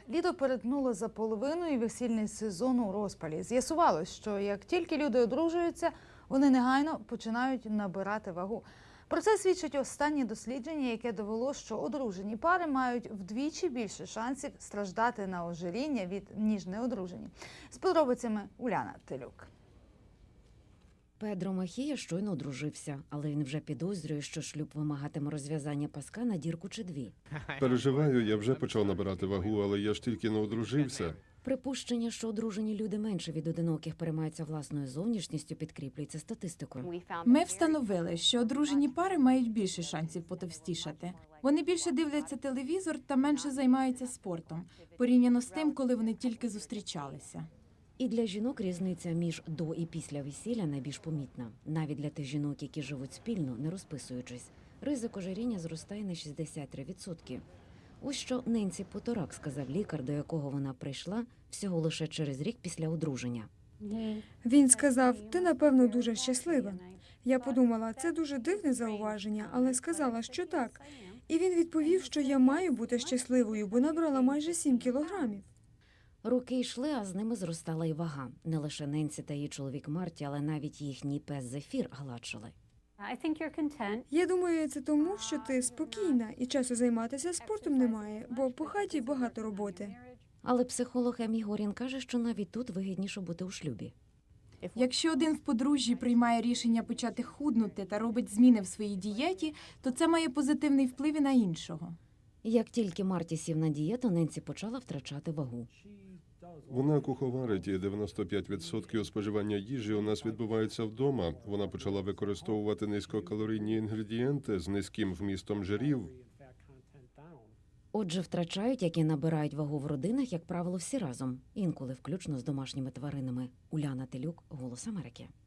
Літо перетнуло за половину і весільний сезон у розпалі. З'ясувалось, що як тільки люди одружуються, вони негайно починають набирати вагу. Про це свідчить останнє дослідження, яке довело, що одружені пари мають вдвічі більше шансів страждати на ожиріння ніж неодружені. З подробицями Уляна Телюк. Педро Махія щойно одружився, але він вже підозрює, що шлюб вимагатиме розв'язання паска на дірку чи дві. Переживаю, я вже почав набирати вагу, але я ж тільки не одружився. Припущення, що одружені люди менше від одиноких переймаються власною зовнішністю, підкріплюється статистикою. Ми встановили, що одружені пари мають більше шансів потовстішати. Вони більше дивляться телевізор та менше займаються спортом, порівняно з тим, коли вони тільки зустрічалися. І для жінок різниця між до і після весілля найбільш помітна. Навіть для тих жінок, які живуть спільно, не розписуючись. Ризик ожиріння зростає на 63%. Ось що Ненсі Поторак сказав лікар, до якого вона прийшла всього лише через рік після одруження. Він сказав, ти, напевно, дуже щаслива. Я подумала, це дуже дивне зауваження, але сказала, що так. І він відповів, що я маю бути щасливою, бо набрала майже 7 кілограмів. Роки йшли, а з ними зростала і вага. Не лише Ненсі та її чоловік Марті, але навіть їхній пес Зефір гладшили. Я думаю, це тому, що ти спокійна і часу займатися спортом немає, бо по хаті багато роботи. Але психолог Емі Горін каже, що навіть тут вигідніше бути у шлюбі. Якщо один в подружжі приймає рішення почати худнути та робить зміни в своїй дієті, то це має позитивний вплив і на іншого. Як тільки Марті сів на дієту, Ненсі почала втрачати вагу. Вона куховарить, і 95% споживання їжі у нас відбувається вдома. Вона почала використовувати низькокалорійні інгредієнти з низьким вмістом жирів. Отже, втрачають, як і набирають вагу в родинах, як правило, всі разом. Інколи включно з домашніми тваринами. Уляна Телюк, «Голос Америки».